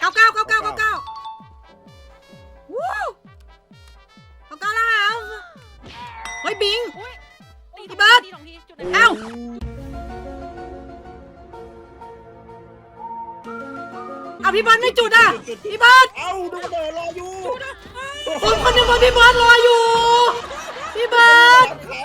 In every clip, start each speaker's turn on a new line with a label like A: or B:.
A: 99วู้99แล้วเฮ้ยบิง พี่เบิร์ด เอ้าเอาพี่เบิร์ดไม่จุดอ่ะพี่เบิร์ด
B: เอ้าดูกระโดดรออยู่
A: คนหนึ่งว่าพี่เบิร์ดรออยู่พี่เบิร์ด
B: เขา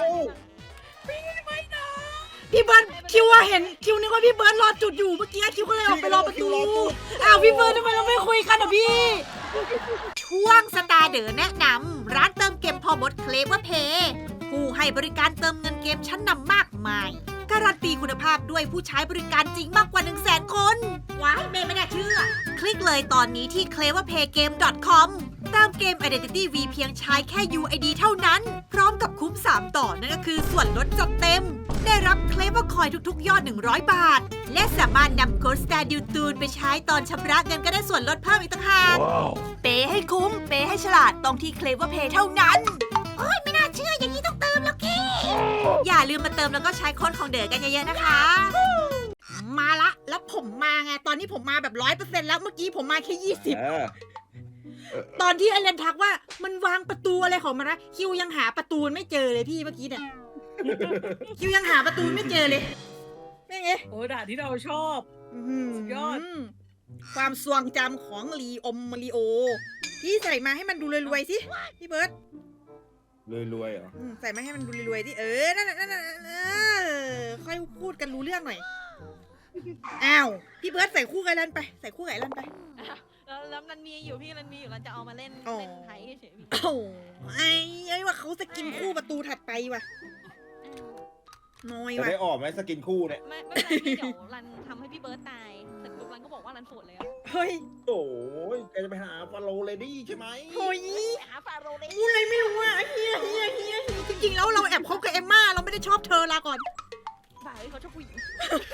A: พี่เบิร์ดคิวว่าเห็นคิวนึกว่าพี่เบิร์ดรอจุดอยู่เมื่อกี้คิวก็เลยออกไปรอประตูอ้าวพี่เบิร์ดทำไมเราไม่คุยกันอ่ะพี่ช่วงสตาร์เดอแนะนำร้านเติมเกมพอมดเคลเวอร์เพย์ผู้ให้บริการเติมเงินเกมชั้นนำมากมายการันตีคุณภาพด้วยผู้ใช้บริการจริงมากกว่า 100,000 คนว้ายเมย์ไม่น่าเชื่อคลิกเลยตอนนี้ที่ cleverpaygame.com เติมเกม Identity V เพียงใช้แค่ UID เท่านั้นพร้อมกับคุ้ม3ต่อนั่นก็คือส่วนลดจัดเต็มได้รับ Clever Coin ทุกๆยอด100 บาทและสามารถนำโค้ด Star d u t u n ไปใช้ตอนชำระเงินก็ได้ส่วนลดเพิ่มอีกต่างหากเปย์ให้คุ้มเปย์ให้ฉลาดต้องที่ Clever Pay เท่านั้นโอ้ยไม่น่าเชื่ออย่างนี้ต้องเติมแล้วกี้อย่าลืมมาเติมแล้วก็ใช้โค้ดของเด๋อกันเยอะๆนะคะมาละแล้วผมมาไงตอนนี้ผมมาแบบ 100% แล้วเมื่อกี้ผมมาแค่20ตอนที่ไอเลนทักว่ามันวางประตูอะไรของมันนะคิวยังหาประตูไม่เจอเลยพี่เมื่อกี้เนี่ยคิวยังหาประตูไม่เจอเลยนี่ไง
C: โอ้ด่านที่เราชอบ สุดยอด
A: ความทรงจำของมาริโอพี่ใส่มาให้มันดูรวยๆสิพี่เบิร์ต
B: รวยเหรอ
A: ใส่มาให้มันดูรวยๆสินั่นค่อยพูดกันรู้เรื่องหน่อยอ้าวพี่เบิร์ตใส่คู่กับไอเลนไปใส่คู่กับไอเลนไป
D: แล้วมันมีอยู่พี่มันมีอยู่เราจะเอามาเล่นไทยเฉยๆพี่
A: โอ้ไอ้ว่าเขาจะกินคู่ประตูถัดไปว่ะน้อย
B: จะ
A: ว่ะ
B: ได้ออกไหมสกินคู่เนี่ย
D: ไม่เป็นไรพี่เดี๋ยวรันทำให้พี่เบิร์ตตายเสร็จปุ๊บรันก็บอกว่ารันโสดแล้ว
A: เฮ้ย
B: โอ้ยแกจะไปหาฟาโรเลดี้ใช่ไหม
A: เฮ้ย
D: ไปหาฟาโรห์เลย
A: พูดอะไรไม่รู้อ่ะเฮียจริงๆแล้วเราแอบคบกับเอมม่าเราไม่ได้ชอบเธอลาก่อน
D: บ่ายเขาชอบผู้หญิง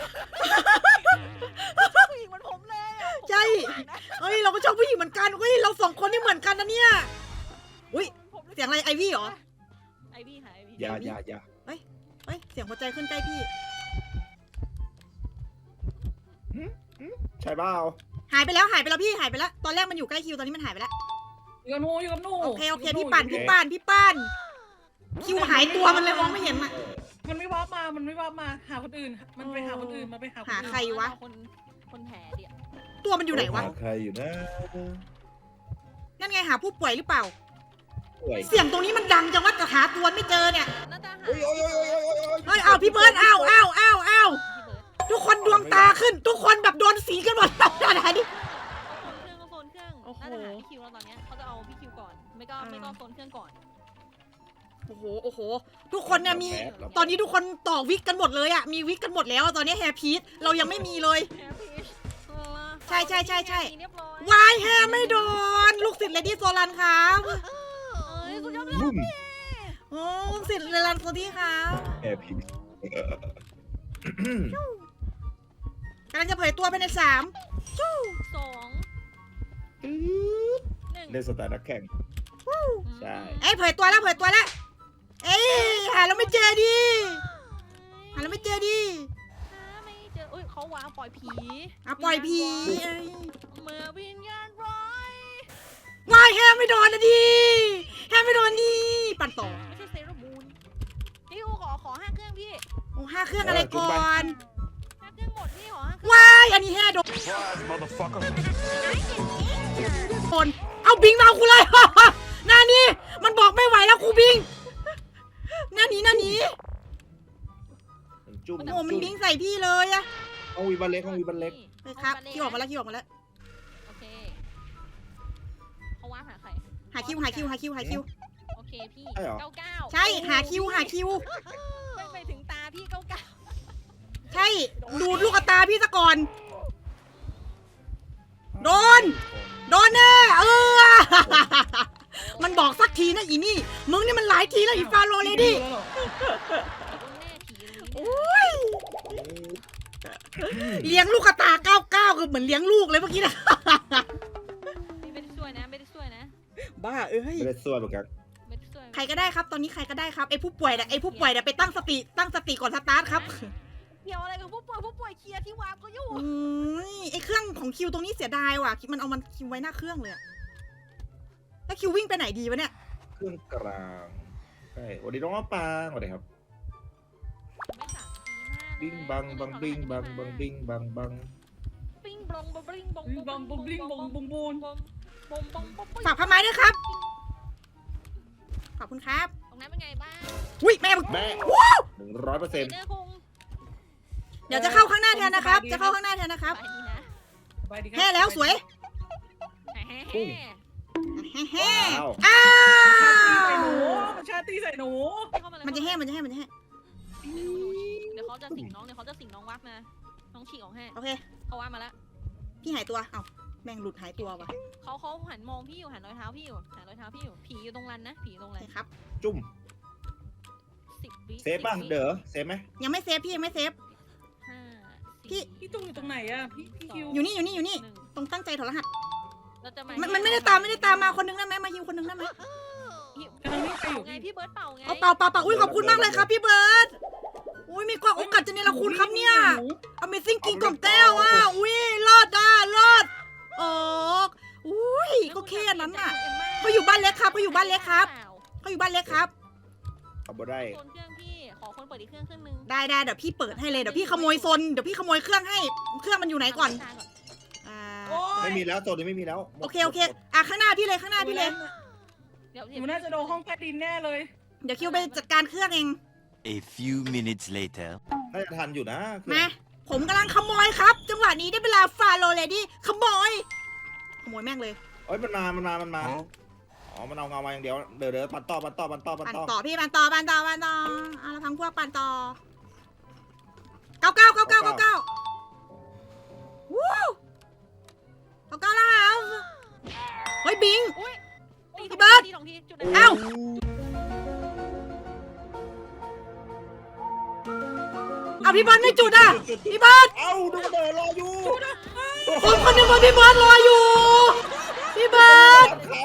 D: ผู้หญิงเหมือนผมเลยอะผม
A: ใช่เฮ้ยเราก็ชอบผู้หญิงเหมือนกันเฮ้ยเราสองคนนี่เหมือนกันนะเนี่ยอุ้ย
D: ผมรู้
A: เสียงอะไรไอวี่เหรอ
D: ไอวี่หายไอวี่
B: อย่า
A: เฮ้ยเสียงหัวใจขึ้นใกล้พี่
B: ใช่เปล่า
A: หายไปแล้วพี่หายไปแล้วตอนแรกมันอยู่ใกล้คิวตอนนี้มันหายไปแล้ว
C: อยู่กับหนูอยู่กับหนู
A: โอเคพี่ปั่นคิวหายตัวมันเลยมองไม่เห็นอ่ะ
C: มันไม่วับมาหาคนอื่น มันไปหาคนอื่นมาไปหาคน
A: หา
C: อื่น
A: ใครวะ
D: คนแผลเดียว
A: ตัวมันอยู่ไหนวะ
B: ใครอยู่นะ
A: นั่นไงหาผู้ป่วยหรือเปล่า
B: ป่วย
A: เสียงตรงนี้มันดังจังว่าจะหาตัวไม่เจอเนี่ย
D: น่าจะหา
B: โอ้ย
A: เฮ้ยเอาพี่เบิร์ดเอา
D: พี่เบิร์ด
A: ทุกคนดวงตาขึ้น ทุกคนแบบโดนสีกันหมดอะไรนี่
D: โซนเครื่อง
A: โอ้โห
D: น่าจะหาพี่คิวแล้วตอนเนี้ยเขาจะเอาพี่คิวก่อนไม่ก็โซนเครื่องก่อน
A: โอ้โหทุกคนเนี่ยมีตอนนี้ทุกคนต่อวิกกันหมดเลยอะมีวิกกันหมดแล้วตอนนี้แฮร์พีทเรายังไม่มีเลย ใช่
D: เรียบร้อยว
A: ายแฮร์ไม่โดนลูกศิษย์เลดี้โซลันครับ
D: เอ้ยสุดยอดเลย
B: บุ้ม
A: โอ้ลูกศิษย์เลลันโซดี้ครับ
B: แอร์พิม
A: กำลังจะเผยตัวไปใน3
D: 2 1
B: เล่นสไตล์นักแข่ง ใช่
A: เอ้ยเผยตัวแล้วเอ้ยหาแล้วไม่เจอดิหาแล้วไม่เจอดิ
D: ไม่เจออุ้ยเขาวางปล่อยผี
A: อ่ะปล่อยผีเอ้ย
D: เมื่อวิญญาณร้ายว
A: ายแฮร์ไม่โดนนะดิแฮร์ไม่โดนดิปั่นต่อ
D: ไม่ใช่เซรามูนพี่ขอ5 เครื่องพี่
A: โอ้5 เครื่องอะไรก่อน
D: 5 เครื่องหมดพี่ขอ5 เครื่อง
A: วายอันนี้แฮร์โดนเอาบิงมาเอากูเลย หน้านี้มันบอกไม่ไหวแล้วครูบิงหน้านี้
B: จุ่ม
A: โอ้มันบิงใส่พี่เลยอะ
B: ห้องวีบันเล็ก
A: ไปครับคิวออกมาแล้ว
D: โอเคเขาวางหาใคร
A: หาคิว
D: โอเคพี่
B: ใช่เหรอ
D: 99
A: ใช่หาคิว
D: ไม่ถึงตาพี่99
A: ใช่ดูดลูกตาพี่ซะก่อนโดนแน่มันบอกสักทีนะอีนี่มึงนี่มันหลายทีแล้วอีฟาโรเลดี้
D: แน่ผีเลย
A: โอ้ยเลี้ยงลูกตา99คือเหมือนเลี้ยงลูกเลยเมื่อกี้นะ
D: ไม่ได้ช่วยนะ
A: บ้าเอ้ย
B: ไม่ได้ส่วนเหมือนกัน
D: ไม่ได้ช่วย
A: ใครก็ได้ครับตอนนี้ใครก็ได้ครับไอ้ผู้ป่วยน่ะไปตั้งสติก่อนสตาร์ทครับ
D: กี่ยวอะไรกับผู้ป่วยเคลียร์ที่วางก็อยู่
A: ไอเครื่องของคิวตรงนี้เสียดายว่ะมันเอามันคิวไว้หน้าเครื่องเลยอะแล้วคิววิ่งไปไหนดีวะเนี่ย
B: เครื่องกลางใช่สวัสดีน้องมะปรางสวัสดีครับ
D: ไม่สั่ง
B: บิ้งบังบังบิ้งบังบังบิ้งบังบัง
D: ปิ้งบงบงบง
C: บอมบุบลิงบงบุงบูน
A: ฝากผ้าไม้ด้วยครับขอบคุณครับ
D: ตรงนั้นเป็นไงบ้าง
A: อุ้ยแม่มึง
B: แม่ 100%
D: เดอร์คง
A: เดี๋ยวจะเข้าข้างหน้าแทนนะครับ จะเข้าข้างหน้าแทนนะครับ
D: ไปดีนะ
C: สบายดีครับ
A: แห่แล้วสวย
D: แฮ่
A: แห่
B: ว้าว
A: อ้า
C: ชาตีใส่หนู
A: มันจะแห่มันจะแห่มันจะแห่
D: เดี๋ยวเขาจะสิงน้องวักนะน้องฉีกออกให้
A: โอเค
D: เขาว่ามาแล้ว
A: พี่หายตัวเอ้าแม่งหลุดหายตัวว่ะ
D: เขาหันมองพี่อยู่หันรอยเท้าพี่อยู่หันรอยเท้าพี่อยู่ผีอยู่ตรงรันนะผีอยู่ตรง
A: โอ
D: รั
A: เคน ครับ
B: จุ่ม
D: 10 วิ
B: เซฟป่ะเด้อเซฟไหม
A: ยังไม่เซฟพี่ยังไม่เซฟ
D: 5
A: พี่
C: พี่ตุ้งอยู่ตรงไหนอะพี่คิว
A: อยู่นี่อยู่นี่อยู่นี่
D: 1
A: ตรงตั้งใจถอดรหัส
D: เราจะ
A: มันไม่ได้ตามมาคนนึงได้ไหมมาฮิวคนนึงได้ไหม
C: กำลังนี่ไปอยู่
D: ไงพี่เบิร์ดเป่าไง
A: เอาเปล่าเปล่าเปล่าอุ้ยขอบคุณมากเลยครับพี่เบิร์ดอุ้ยมีกว่าโอกาสจะเนรคุณครับเนี่ย Amazing กิงของแต้วอ่ะอุ้ยรอดอ่ะรอดโอ้อุ้ยก็แค่นั้นน่ะเขาอยู่บ้านเล็กครับเขาอยู่บ้านเล็กครับเขาอยู่บ้านเล็กครับ
B: เอาบ่ได้
D: คนเครื่องพี่ขอคนเปิดอีกเครื่องนึง
A: ได้เดี๋ยวพี่เปิดให้เลยเดี๋ยวพี่ขโมยโซนเดี๋ยวพี่ขโมยเครื่องให้เครื่องมันอยู่ไหนก่อนอ่า
C: โอ้
B: ไม่
C: ย
B: มีแล้วโซนนี้ไม่มีแล้ว
A: โอเคอ่ะข้างหน้าพี่เลยข้างหน้าพี่เลย
D: เดี๋ยว
C: หนูน่าจะโดนห้องใต้ดินแน่เลย
A: เดี๋ยวคิวไปจัดการเครื่องเอง
E: A few minutes later.
B: น่าจะทันอยู่นะเครื่อง
A: มาผมกำลังขโมยครับ จังหวะนี้ได้เวลาฟาโรเลดี้ขโมยแม่งเลย
B: เอ้ยมันมาอ๋อมันเอาเงามาอย่างเดียวเดี๋ยวปั่นต่อ
A: ปั่นต่อพี่ปั่นต่อเอาละพังพวกปั่นต่อ99วู้99แล้วเฮ้ยบิง พี่เบิร์ด
D: ตีสองทีจุด
A: เอ้า เอาพี่เบิร์ดไม่จุดอ่ะพี่เบิร์ด
B: เอ้าดูกระเดิดรออยู่
A: คนหนึ่งว่าพี่เบิร์ดรออยู่พี่เบิร์ด
B: เขา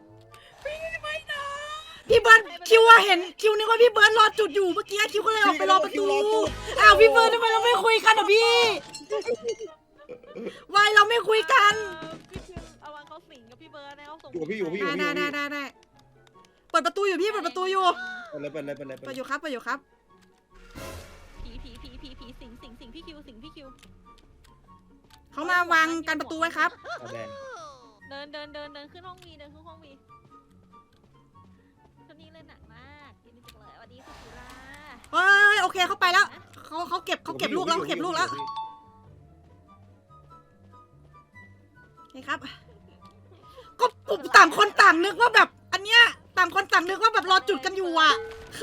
A: พี่เบิร์ดคิวว่าเห็นคิวนึกว่าพี่เบิร์ดรอจุดอยู่เมื่อกี้คิวก็เลยออกไปรอประตูอ้าวพี่เบิร์ดทำไมเราไม่คุยกันอ่ะพี่วายเราไม่คุยกัน
D: พี่คิวเอาวางเขาสิงกับพี่เบิร์ดนะเขาส่ง
B: อยู่พี่อยู่
A: ได้เปิดประตูอยู่พี่เปิดประตูอยู่
B: ไปเลย
A: เปิดอยู่ครับ
D: ผีสิงพี่คิวสิงพี่คิว
A: เขามาวางกันประตูไว้ครับ
B: แดง
D: เดินขึ้นห้องวีชุดนี้เล่นหนักมากยินดีจังเลยสวัสดีสุธิรา
A: เฮ้ยโอเคเขาไปแล้วเขาเก็บลูกแล้วนี่ครับก็ผมต่างคนต่างนึกว่าแบบอันเนี้ยต่างคนต่างนึกว่าแบบรอจุดกันอยู่อ่ะ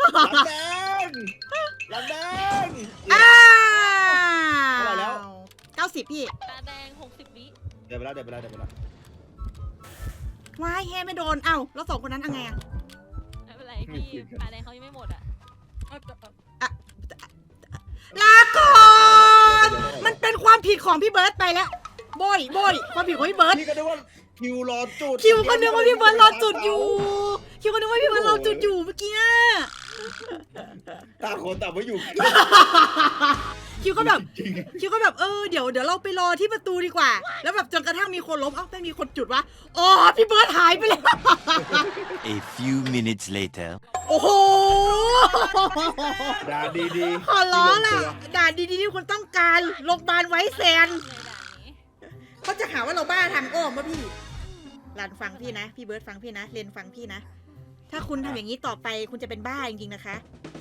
B: หลังแดง
A: อ้า
B: เท่าไหร่แล้ว
A: 90พี่
D: ตาแดง60 วิ
B: เดี๋ยวไปแล้ว
A: ว้ายแฮไม่โดนเอ้าแล้วสองคนนั้นเอาไงอะ
D: ไม่เป็นไรพี่ตาแดงเขายังไม่หมดอ่ะ
A: ลาก่อนมันเป็นความผิดของพี่เบิร์ตไปแล้วโบยความผิดของพี่เบิร์ต
B: พี่ก็นึกว่าคิวรอจุด
A: คิวก็นึกว่าพี่เบิร์ตรอจุดอยู่เมื่อกี้
B: ต่างคนต่างไม่อยู่
A: คิวก็แบบเดี๋ยวเราไปรอที่ประตูดีกว่า แล้วแบบจนกระทั่งมีคนล้มเอ้าไม่มีคนจุดวะอ๋อพี่เบิร์ตหายไปแล้ว
E: A few minutes later.
A: โอ้โห
B: ด่าดี
A: ขอร้องล่ะด่าดีๆที่คุณต้องการโรงพยาบาลไว้แซน
D: เลยด่านนี้
A: เขาจะหาว่าเราบ้าทางอ้อมวะพี่หลานฟังพี่นะพี่เบิร์ตฟังพี่นะเรนฟังพี่นะถ้าคุณทำอย่างนี้ต่อไปคุณจะเป็นบ้าจริงๆนะคะ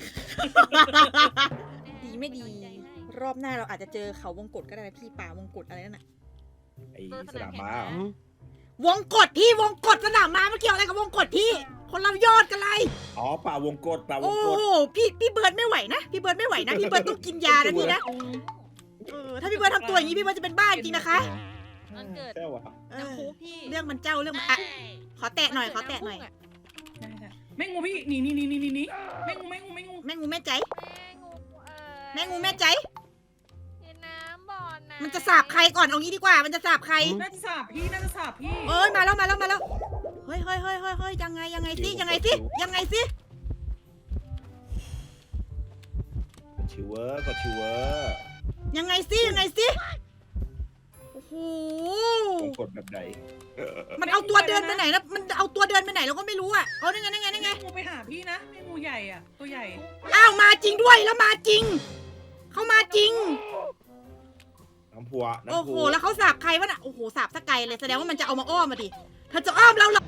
A: ดีไม่ดี รอบหน้าเราอาจจะเจอเขาวงกฏก็ได้นะพี่ป่าวงกฏอะไรนั่นน่ะ
B: ไอ้สนามม้าว
A: งกฏพี่วงกฏสนามม้ามันเกี่ยวอะไรกับวงกฏพี่คนเรายอดกันเลย
B: อ๋อป่าวงกฏ
A: โอ้พี่เบิร์ดไม่ไหวนะพี่เบิร์ดต้องกินยานะพี่นะถ้าพี่เบิร์ดทำตัวอย่างนี้พี่เบิร์ดจะเป็นบ้าจริงๆนะคะ
D: มันเกิด
B: แค่วะ
D: น้ำพุพี่
A: เรื่องมันเจ้าเรื่องมันอ่ะขอแตะหน่อย
C: แม่งูพี่หนีแม่งู
A: แม่งูแม่ใจแม่งูแม่ใจ
D: น้ำบ่อนะ
A: มันจะสาบใครก่อนเอางี้ดีกว่ามันจะสาบใคร
C: น่าจะสาบพี่
A: เอ้ยมาแล้วเฮ้ยยังไงสิ
B: ชิวเวอร์กดชิวเวอร์
A: ยังไงสิยังไงสิโอ้โห
B: ต้องกดแบบไหน
A: มันเอาตัวเดินไปไหนนะมันเอาตัวเดินไปไหนเราก็ไม่รู้อ่ะเอาได้ไงได้ไงได้ไง
C: งูไปหาพี่นะไอ้งูใหญ่อ่ะตัวใหญ่
A: อ้าวมาจริงด้วยแล้วมาจริงเขามาจริง
B: น้ำพัว
A: โอ้
B: น้ำ
A: โห
B: พัว
A: แล้วเขาสาบใครวะน่ะโอ้โหสาบสกไกลเลยแสดงว่ามันจะเอามาอ้อมมาดิเธอจะอ้อมเราเหรอ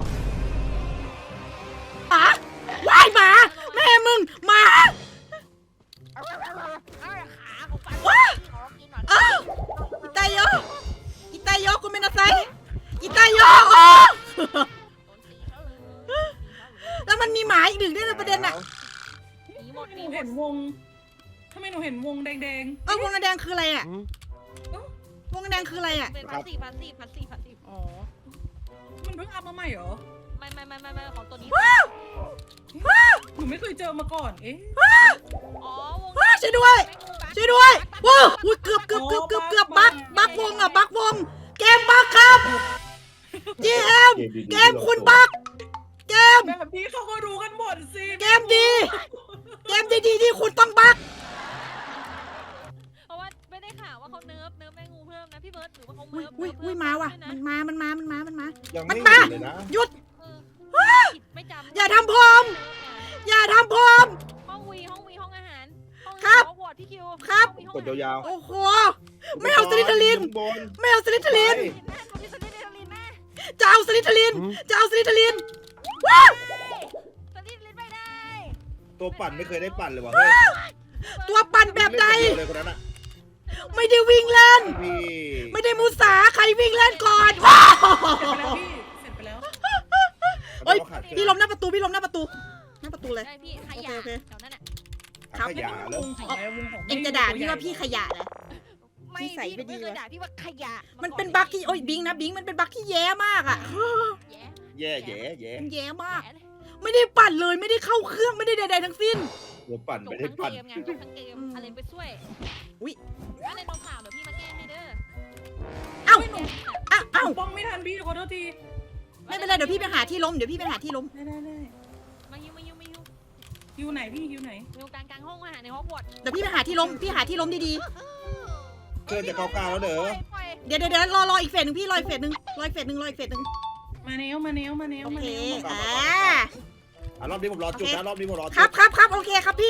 A: หมาว่ายหมาแม่มึงหมา
D: เอาขาของปัน
A: ว้า
D: ขอกินหน่อย
A: อ้าวอีตายโยอีตายโยกูเป็นอะไรอีตายโยโอ้ แล้วมันมีหมาอีกหนึ่งด้วยนะประเด็นน่ะ
D: หนีหมด
C: ห
D: ห
C: นู
D: นีหม
C: เห็
D: ด
C: นวงทำไมหนูเห็นวงแดง
A: วงแดงคืออะไรอ่ะวงแดงคืออะไรอ่ะ
D: เป็นพัสซีฟพัสซีฟพัสซีฟพัสซีฟ
A: อ๋อ
C: ๆมันเพิ่งอัพมาใหม่เหรอ
D: ไม่ของตัวนี้
C: หนูไม่เคยเจอมาก่อนเอ๊ะ
D: อ๋อวง
A: ว้าช่วยด้วยช่วยด้วยว้าวอุ้ยเกือบบักวงอ่ะบักวงเกมบักครับจีเอ็มเกมคุณบักเกม
C: แบบนี้เขาก็รู้กันหมดสิ
A: เกมดีที่คุณต้องบัก
D: เพราะว่าไม่ได้ข่าวว่าเขาเนิร์ฟแม่งูเพิ่มนะพี่เบิร์ดหรือว่าเขา
A: อุ้ย
D: เนิร์ฟ
A: อุ้ยมาว่ะมันมา
B: ยัง
A: มั
B: ไม่
A: นมา
B: เห็นเลยนะ
A: หยุด
D: ผิดไม่จำ
A: อย่าทำผม อย่าทำผม
D: ห้องวีห้องอาหารห้อง
A: ครับ
D: วอร์ดพี่คิว
A: ครับ
B: กดยาว
A: โอ้โหไม่เอาสลิทลิน
B: บน
A: ไม่เอาสลิทลิน
B: ไป
D: แม่คนที่สลิดเดลินแม่
A: จะเอาสลิทลินว้าว
D: สลิดลินไม่ได้
B: ตัวปั่นไม่เคยได้ปั่นเลยว่ะเฮ้ย
A: ตัวปั่นแบบใด
B: เล่นคนเดียวเลยคนนั้นอ่ะ
A: ไม่ได้วิ่งเล่น
B: พี่
A: ไม่ได้มุสาใครวิ่งเล่นก่อนว้าว
C: เสร็จไปแล้ว
A: เฮ้ย
B: ขาดเกิน
A: พี่ล้มหน้าประตูหน้าประตูเลย
D: ได้พี่ขยะ
A: โอเค
D: แถวนั้นอ่ะ
A: ครับ
B: ขยะแล้ว
C: วงของอะไรวงของ
A: เอ็งจะด่าพี่ว่าพี่ขยะเหรอ
D: ไม่
A: นิสัย
D: พี่
A: ไม่ดี
D: ไม่เคยว
A: ะ
D: ด่าพี่ว่าขยะ
A: มันเป็นบั๊กที่โอ้ยบิงนะบิงมันเป็นบั๊กที่แย่มากอ่ะ
D: แย่
B: แย่
A: มันแย่มาก
D: แย่เลย
A: ไม่ได้ปั่นเลยไม่ได้เข้าเครื่องไม่ได้ใดๆทั้งสิ้น
B: ตัวปั่น
D: จ
B: ไม่
D: บ
B: ได้
D: ทั้ง
B: ปั่น
D: เกมไงจบทั้งเกมอะไรไปช่วย
A: อุ๊ย
D: อะไรโดนข่าวเดี๋ยวพี่มาแก้ให้เด้อ
A: เอ้า
C: ไม่หนู
A: เอ้า
C: ป้องไม่ทันพี่ขอโทษที
A: ไม่เป็นไรเดี๋ยวพี่ไปหาที่ล้มเดี๋ยวพี่ไปหาที่ล้ม
C: ได้
D: มาฮิว
C: อยู่ไหนพี่อยู่ไหน
D: อยู่กลางห้องอาหารในห้องวอร์ด
A: เดี๋ยวพี่ไปหาที่ล้มพี่หาที่ล้มดี
B: เพื่อนจะเก้าแล้วเด้อ
A: ๆเดี๋ยวรออีกเฟสหนึ่งพี่รออีกเฟสหนึ่ง
C: มาแนว
A: โอ
C: มา
A: เค
C: แนว
B: รอบนี้ผมรอจุดนะรอบนี้ผมรอจุด
A: ครับโอเคครับพี่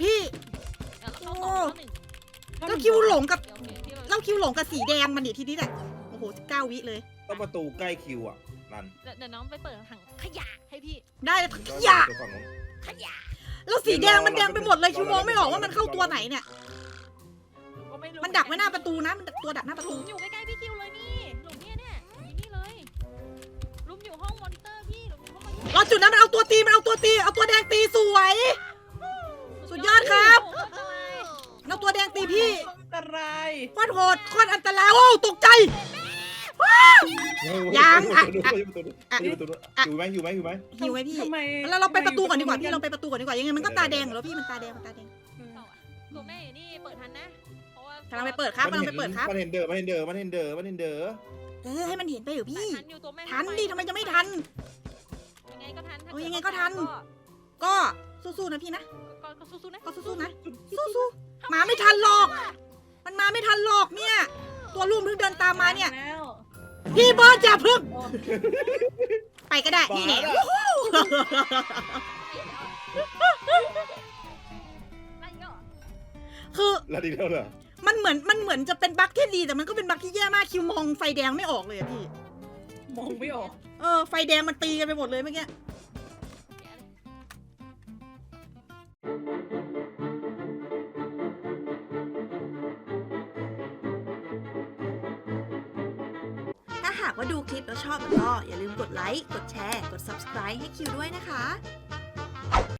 A: แล้วคิวหลงกับสีแดงมันดิทีนี้แหละโอ้โห19 วิเลย
B: ต้องประตูใกล้คิวอ่ะนั่น
D: เดี๋ยวน้องไปเปิดถังขยะให้พี่
A: ได้ขยะ
B: ฝั่งนู้น
D: ขยะ
A: แล้วสีแดงมันแดงไปหมดเลยคิวมองไม่ออกว่ามันเข้าตัวไหนเนี่ย
D: ก็ไม่รู้
A: มันดักไว้หน้าประตูนะมันตัวดักหน้าประ
D: หลุ
A: ตู
D: มอยู่ใกล้ๆพี่คิวเลยนี่หลุมเนี่ยอยู่นี่เลยหลุมอยู่ห้องมอนิเตอร์พี่หลุมอยู่ห้องมอนิเตอร์
A: รอจุดนั้นมันเอาตัวแดงตีสวย สุดยอดครับ เอาตัวแดงตีพี่
C: อันตราย
A: โคตรโหดโคตรอันตรายโอ้ตกใจ ยังอ่ะ
B: อยู่ไหม
A: หิวไหมพี่
C: ทำไม
A: แล้วเราไปประตูก่อนดีกว่าพี่เราไปประตูก่อนดีกว่ายังไงมันก็ตาแดงอยู่แล้วพี่มันตาแดง
D: ตัวแม่อยู่นี่เปิดทันนะเพราะว่าก
A: ำลังไปเปิดครับ
B: มันเห็นเด้อ
A: ให้มันเห็นไปเหรอพี่
D: ทันอยู่ตัวแม่
A: ทันดิทำไมจะไม่ทัน
D: ยังไงก็ทัน
A: โอ้ยยังไงก็ทัน ก็สู้ๆนะพี่นะ
D: ก็สู้ๆนะ
A: ก็สู้ๆนะสู้ๆมาไม่ทันหรอก มันมาไม่ทันหรอกเนี่ย ตัวรุ่มเพิ่งเดินตามมาเนี่ย
C: แล้ว
A: พี่เบิร์ดอย่าพึ่งไปก็ได้นี่แน่
D: ไล่เยอะ
A: คือ
B: แล้วดีแล้วเหรอ
A: มันเหมือนจะเป็นบั๊กที่ดีแต่มันก็เป็นบั๊กที่แย่มากคิวมองไฟแดงไม่ออกเลยอะพี่
C: มองไม่ออก
A: ไฟแดงมันตีกันไปหมดเลยเมื่อกี้ ถ้าหากว่าดูคลิปแล้วชอบก็อย่าลืมกดไลค์ กดแชร์ กด subscribe ให้คิวด้วยนะคะ